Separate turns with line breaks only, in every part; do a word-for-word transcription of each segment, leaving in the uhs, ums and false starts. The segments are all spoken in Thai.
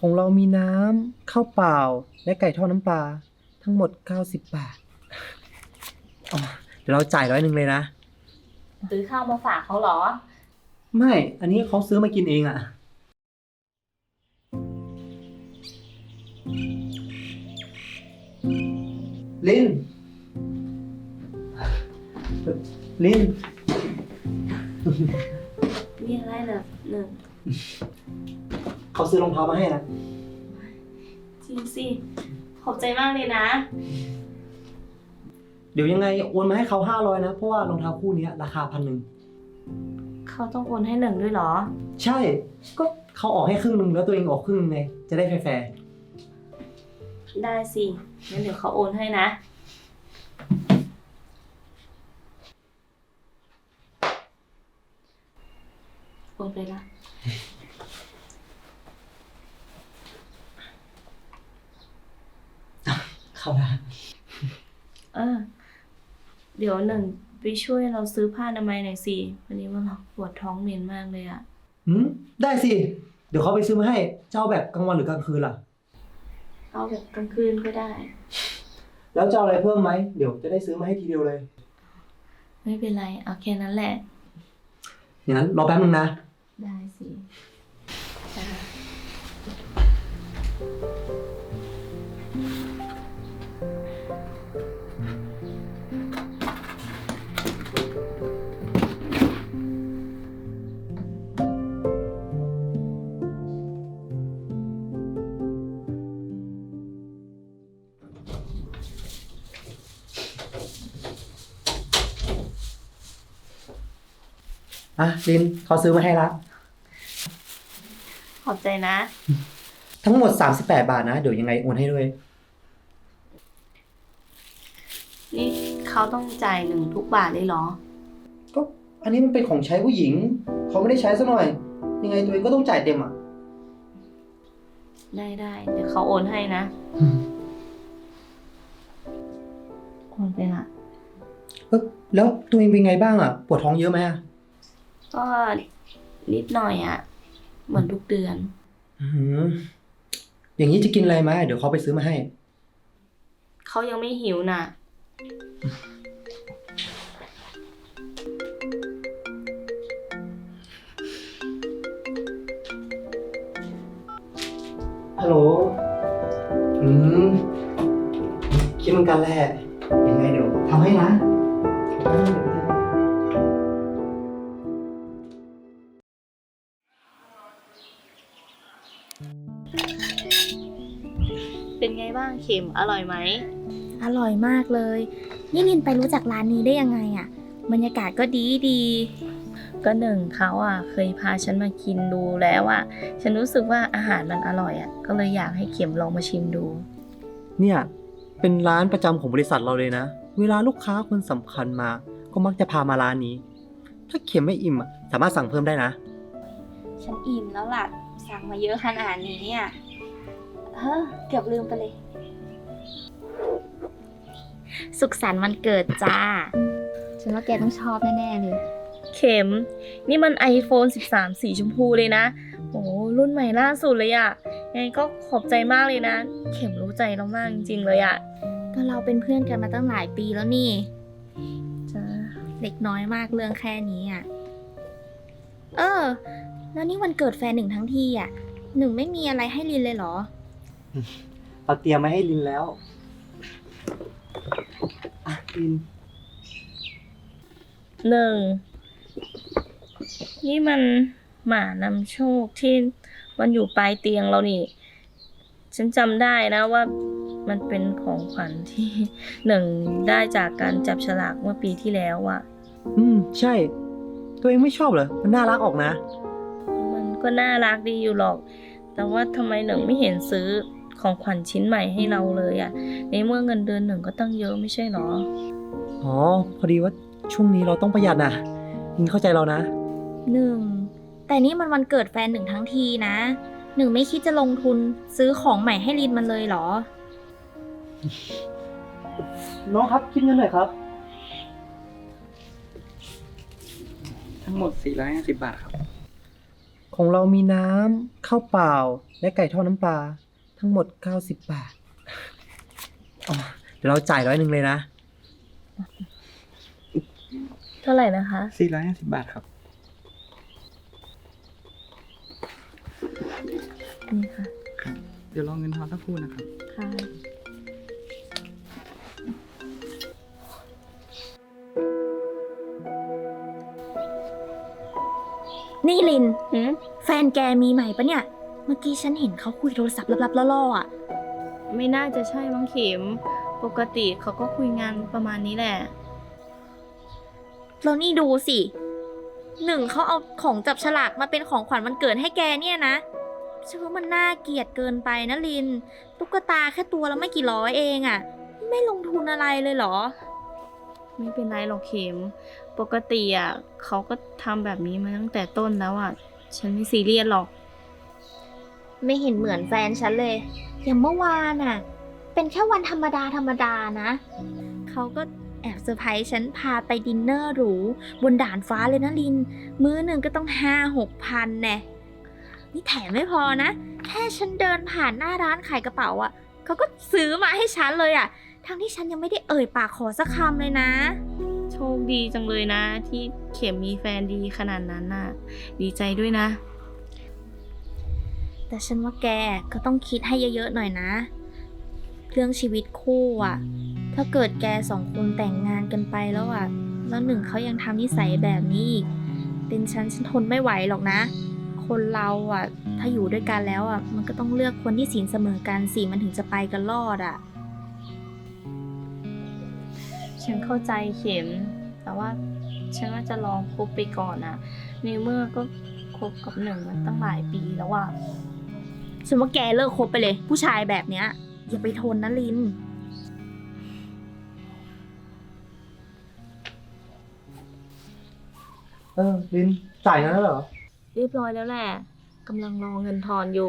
ของเรามีน้ำข้าวเปล่าและไก่ทอดน้ำปลาทั้งหมดเก้าสิบบาทอ๋อเดี๋ยวเราจ่ายร้อยหนึ่งเลยนะ
ซื้อข้าวมาฝากเขาเหรอ
ไม่ อันนี้เขาซื้อมากินเองอะลิน ลิน
มีอะไรเหรอหนึ่ง
เขาซื้อรองเท้ามาให้นะ
จริงสิขอบใจมากเลยนะ
เดี๋ยวยังไงโอนมาให้เขาห้าร้อยนะ เพราะว่ารองเท้าคู่นี้ราคาพันหนึ่ง
เขาต้องโอนให้หนึ่งด้วยเหรอ
ใช่ ก็เขาออกให้ครึ่งหนึ่งแล้วตัวเองออกครึ่งหนึงไง จะได้แฟร์
ได้สิงั้นเดี๋ยวเขาโอนให้นะโอนไปละ
ๆเข้าได้
เออ เดี๋ยวหนึ่งไปช่วยเราซื้อผ้าอนามัยหน่อยสิวันนี้ว่าเราปวดท้องเหม็นมากเลยอะ
หืมได้สิ เดี๋ยวเขาไปซื้อมาให้ เจ้าแบบกลางวันหรือกลางคืนล่ะ
เอาแบบกลางคืนก็ได้
แล้วจะเอาอะไรเพิ่มไหม เดี๋ยวจะได้ซื้อมาให้ทีเดียวเลย
ไม่เป็นไรเอาแค่นั้นแหละ
อย่างนั้นรอแป๊บนึงนะ
ได้สิจ้า
อ่ะลินเขาซื้อมาให้ละ
ขอบใจนะ
ทั้งหมดสามสิบแปดบาทนะ เดี๋ยวยังไงโอนให้ด้วย
นี่เขาต้องจ่ายหนึ่งทุกบาทเลยเหรอ
ก็อันนี้มันเป็นของใช้ผู้หญิง เขาไม่ได้ใช้ซะหน่อย ยังไงตัวเองก็ต้องจ่ายเต็มอ่ะ
ได้ได้เดี๋ยวเขาโอนให้นะโอนไปละ
เออแล้วตัวเองเป็นไงบ้างอ่ะ ปวดท้องเยอะไหมอ่ะ
ก็นิดหน่อยอะเหมือนทุกเดือน
อืมอย่างนี้จะกินอะไรไหมเดี๋ยวเขาไปซื้อมาให้
เขายังไม่หิวน่ะ
ฮัลโหล อืม คิดเหมือนกันแหละยังไงเดี๋ยวทำให้นะ
เป็นไงบ้างเข็มอร่อยไหม
อร่อยมากเลย นี่ลินไปรู้จักร้านนี้ได้ยังไงอะบรรยากาศก็ดีดี
ก็หนึ่งเขาอ่ะเคยพาฉันมากินดูแล้วอ่ะฉันรู้สึกว่าอาหารมันอร่อยอ่ะก็เลยอยากให้เข็มลองมาชิมดู
เนี่ย เป็นร้านประจำของบริษัทเราเลยนะ เวลาลูกค้าคนสำคัญมา ก็มักจะพามาร้านนี้ ถ้าเข็มไม่อิ่มอะสามารถสั่งเพิ่มได้นะ
ฉันอิ่มแล้วล่ะ สั่งมาเยอะขนาดนี้อ่ะเฮ้อเกือบลืมไปเลย สุขสันต์วันเกิดจ้า ฉันว่าแกต้องชอบแน่ๆเลย
เข็มนี่มัน ไอโฟน สิบสาม สีชมพูเลยนะโอ้รุ่นใหม่ล่าสุดเลยอะยังไงก็ขอบใจมากเลยนะ เข็มรู้ใจเรามากจริงๆเลยอะ
ก็เราเป็นเพื่อนกันมาตั้งหลายปีแล้วนี่
จ้า
เด็กน้อยมากเรื่องแค่นี้อ่ะ เออ แล้วนี่วันเกิดแฟนหนึ่งทั้งทีอ่ะ หนึ่งไม่มีอะไรให้ลินเลยเหรอ
เราเตรียมมาให้ลินแล้ว อ่ะลิน
หนึ่งนี่มันหมานำโชคที่มันอยู่ปลายเตียงเรานี่ ฉันจำได้นะว่ามันเป็นของขวัญที่หนึ่งได้จากการจับฉลากเมื่อปีที่แล้วอะ
อืม ใช่ ตัวเองไม่ชอบเหรอ มันน่ารักออกนะ
มันก็น่ารักดีอยู่หรอก แต่ว่าทำไมหนึ่งไม่เห็นซื้อของขวัญชิ้นใหม่ให้เราเลยอะในเมื่อเงินเดือนหนึ่งก็ตั้งเยอะไม่ใช่หรอ
อ๋อ พอดีว่าช่วงนี้เราต้องประหยัดนะลินเข้าใจเรานะ
หนึ่ง แต่นี่มันวันเกิดแฟนหนึ่งทั้งทีนะ หนึ่งไม่คิดจะลงทุนซื้อของใหม่ให้ลินมันเลยเหรอ
น้องครับคิดเงินหน่อยครับ
ทั้งหมด สี่ร้อยห้าสิบ บาทครับ
ขของเรามีน้ำข้าวเปล่า และไก่ทอดน้ำปลาทั้งหมดเก้าสิบบาทอ๋อเดี๋ยวเราจ่ายร้อยหนึ่งเลยนะ
เท่าไหร่นะคะ
สี่ร้อยห้าสิบบาทครับ
นี่ค่ะ
ครับ เดี๋ยวรอเงินทอนสักครู่นะครับ
ค่ะ
นี่ลิน
หืม
แฟนแกมีใหม่ปะเนี่ย เมื่อกี้ฉันเห็นเขาคุยโทรศัพท์ลับๆล่อๆอ่ะ
ไม่น่าจะใช่มั้งเข็ม ปกติเขาก็คุยงานประมาณนี้แหละ
แล้วนี่ดูสิหนึ่งเขาเอาของจับฉลากมาเป็นของขวัญวันเกิดให้แกเนี่ยนะฉันว่ามันน่าเกลียดเกินไปนะลิน ตุ๊กตาแค่ตัวละไม่กี่ร้อยเองอะ่ะ ไม่ลงทุนอะไรเลยเหรอ
ไม่เป็นไรหรอกเข็ม ปกติอ่ะเขาก็ทำแบบนี้มาตั้งแต่ต้นแล้วอ่ะ ฉันไม่ซีเรียสหรอก
ไม่เห็นเหมือนแฟนฉันเลย อย่างเมื่อวานอ่ะ เป็นแค่วันธรรมดาธรรมดานะ เขาก็แอบเซอร์ไพรส์ฉันพาไปดินเนอร์หรูบนด่านฟ้าเลยนะลิน มื้อหนึ่งก็ต้องห้าหกพันแน่นี่แถมไม่พอนะ แค่ฉันเดินผ่านหน้าร้านขายกระเป๋าอ่ะ เขาก็ซื้อมาให้ฉันเลยอ่ะ ทั้งที่ฉันยังไม่ได้เอ่ยปากขอสักคำเลยนะ
โชคดีจังเลยนะ ที่เข็มมีแฟนดีขนาดนั้นน่ะ ดีใจด้วยนะ
แต่ฉันว่าแกก็ต้องคิดให้เยอะๆหน่อยนะ เรื่องชีวิตคู่อ่ะ ถ้าเกิดแกสองคนแต่งงานกันไปแล้วอ่ะ แล้วหนึ่งเขายังทำนิสัยแบบนี้อีก เป็นฉันฉันทนไม่ไหวหรอกนะ คนเราอ่ะ ถ้าอยู่ด้วยกันแล้วอ่ะ มันก็ต้องเลือกคนที่ศีลเสมอกันสิมันถึงจะไปกันรอดอ่ะ
ฉันเข้าใจเข็ม แต่ว่าฉันว่าจะลองคบไปก่อนอะในเมื่อก็คบกับหนึ่งมาตั้งหลายปีแล้วอะ
ฉันว่าแกเลิกคบไปเลย ผู้ชายแบบเนี้ย อย่าไปทนนะลิน
เออ ลิน จ่ายงั้นแล้วเหรอ
เรียบร้อยแล้วแหละกำลังรอเงินทอนอยู่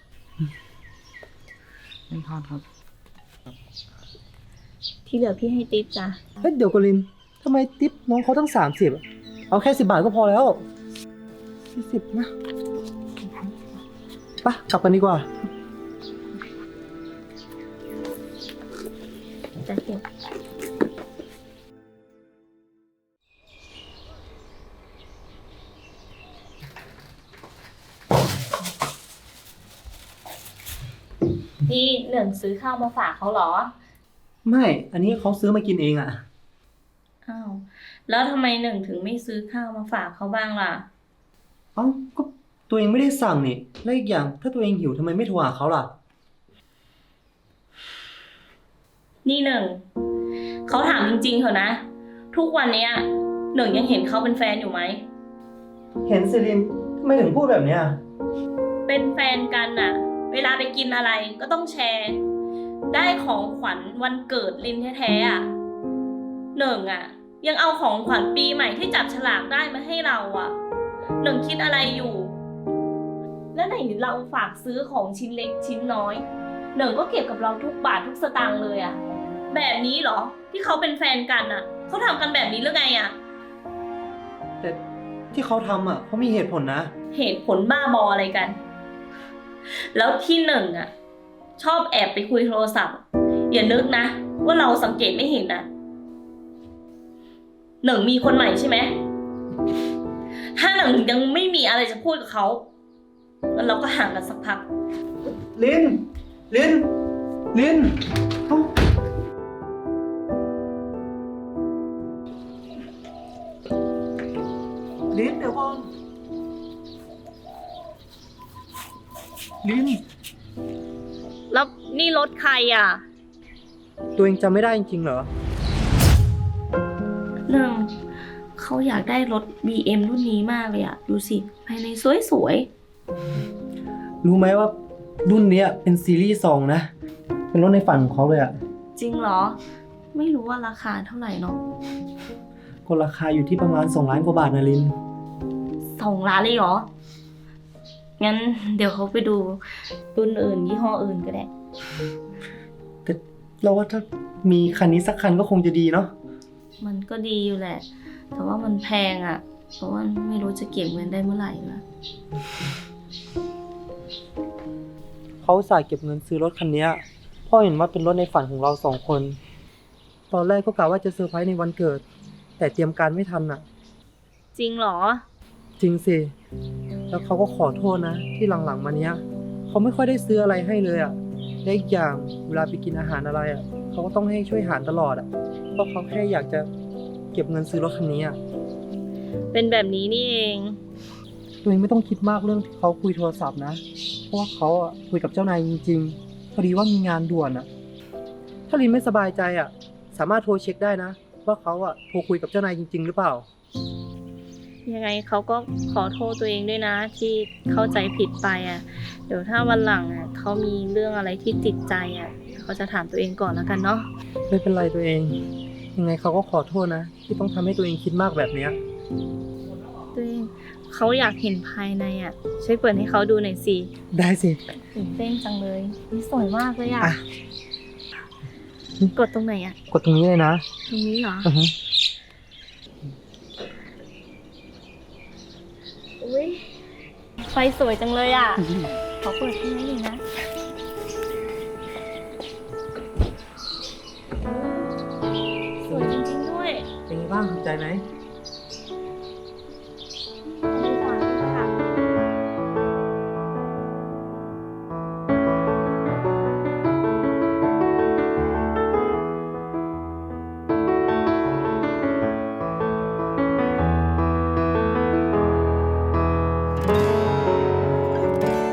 เงินทอนครับ
ที่เหลือพี่ให้ติ๊บจ้ะ
เฮ้ยเดี๋ยวก่อนลินทำไมทิปน้องเขาตั้งสามสิบเอาแค่สิบบาทก็พอแล้วสี่สิบนะไปะกลับกันดีกว่า
จะเก็บนี่หนึ่งซื้อข้าวมาฝากเขาเหรอ
ไม่ อันนี้เขาซื้อมากินเองอะ
อ้าว แล้วทำไมหนึ่งถึงไม่ซื้อข้าวมาฝากเขาบ้างล่ะ
เอ้าก็ตัวเองไม่ได้สั่งนี่และอีกอย่างถ้าตัวเองหิวทำไมไม่โทรหาเขาล่ะ
นี่หนึ่ง เขาถามจริงๆเถอะนะ ทุกวันเนี้ยหนึ่งยังเห็นเขาเป็นแฟนอยู่ไหม
เห็นสิลินทำไมถึงพูดแบบเนี้ย
เป็นแฟนกันน่ะ เวลาไปกินอะไรก็ต้องแชร์ ได้ของขวัญวันเกิดลินแท้ๆอ่ะหนึ่งอ่ะ ยังเอาของขวัญปีใหม่ที่จับฉลากได้มาให้เราอ่ะหนึ่งคิดอะไรอยู่ แล้วไหนเราฝากซื้อของชิ้นเล็กชิ้นน้อยหนึ่งก็เก็บกับเราทุกบาททุกสตางค์เลยอ่ะแบบนี้เหรอที่เขาเป็นแฟนกันอ่ะเขาทำกันแบบนี้หรือไงอ่ะ
แต่ที่เขาทำอ่ะเขามีเหตุผลนะ
เหตุผลบ้าบออะไรกัน แล้วที่หนึ่งอ่ะ ชอบแอบไปคุยโทรศัพท์อย่านึกนะว่าเราสังเกตไม่เห็นนะหนึ่งมีคนใหม่ใช่ไหมถ้าหนึ่งยังไม่มีอะไรจะพูดกับเขางั้นเราก็ห่างกันสักพัก
ลิน ลิน ลินเอ้าลินเดี๋ยวก่อนลิน
แล้วนี่รถใครอ่ะ
ตัวเองจำไม่ได้จริงๆเหรอ
หนึ่งเขาอยากได้รถ บี เอ็ม รุ่นนี้มากเลยอ่ะดูสิภายในสวยๆ
รู้ไหมว่ารุ่นเนี้ยเป็นซีรีส์สองนะ เป็นรถในฝันของเขาเลยอะ
จริงเหรอ ไม่รู้ว่าราคาเท่าไหร่เนาะ
ก็ราคาอยู่ที่ประมาณสองล้านกว่าบาทนะลิน
สองล้านเลยเหรอ งั้นเดี๋ยวเขาไปดูรุ่นอื่นยี่ห้ออื่นก็ได้
แต่เราว่าถ้ามีคันนี้สักคันก็คงจะดีเนาะ
มันก็ดีอยู่แหละ แต่ว่ามันแพงอะ่ะเพราะว่าไม่รู้จะเก็บเงินได้เมื่อไหร่ละ
เขาอุตส่าห์เก็บเงินซื้อรถคันเนี้ยเพ่อเห็นว่าเป็นรถในฝันของเราสองคน ตอนแรกก็กะว่าจะเซอร์ไพรส์ในวันเกิด แต่เตรียมการไม่ทันอ่ะ
จริงเหรอ
จริงสิ แล้วเขาก็ขอโทษนะ ที่หลังๆมาเนี้ยเขาไม่ค่อยได้ซื้ออะไรให้เลยอ่ะและอีกอย่างเวลาไปกินอาหารอะไรอ่ะเขาก็ต้องให้ช่วยหารตลอดอ่ะเพราะเขาแค่อยากจะเก็บเงินซื้อรถคันนี้อ่ะ
เป็นแบบนี้นี่เอง
ตัวเองไม่ต้องคิดมากเรื่องที่เขาคุยโทรศัพท์นะ เพราะว่าเขาอ่ะคุยกับเจ้านายจริงๆพอดีว่ามีงานด่วนอ่ะ ถ้าลินไม่สบายใจอ่ะ สามารถโทรเช็คได้นะ ว่าเขาอ่ะโทรคุยกับเจ้านายจริงๆหรือเปล่า
ยังไงเขาก็ขอโทษตัวเองด้วยนะ ที่เข้าใจผิดไปอ่ะ เดี๋ยวถ้าวันหลังอ่ะเขามีเรื่องอะไรที่ติดใจอ่ะเขาจะถามตัวเองก่อนแล้วกันเนาะ
ไม่เป็นไรตัวเอง ยังไงเขาก็ขอโทษนะ ที่ต้องทำให้ตัวเองคิดมากแบบเนี้ย
ตัวเองเขาอยากเห็นภายในอ่ะช่วยเปิดให้เขาดูหน่อยสิ
ได้สิ
ตื่นเต้นจังเลยนี่สวยมากเลยอ่ะ
อ่ะ
กดตรงไหนอ่ะ
กดตรงนี้เลยนะ
ตรงนี้เหรอ
อือฮึ
อุ้ยไฟสวยจังเลยอ่ะ ขอเปิดที่นี่หนึ่งนะ สวยจริงๆด้วย
เป็นไงบ้างถูกใจไหม
ถ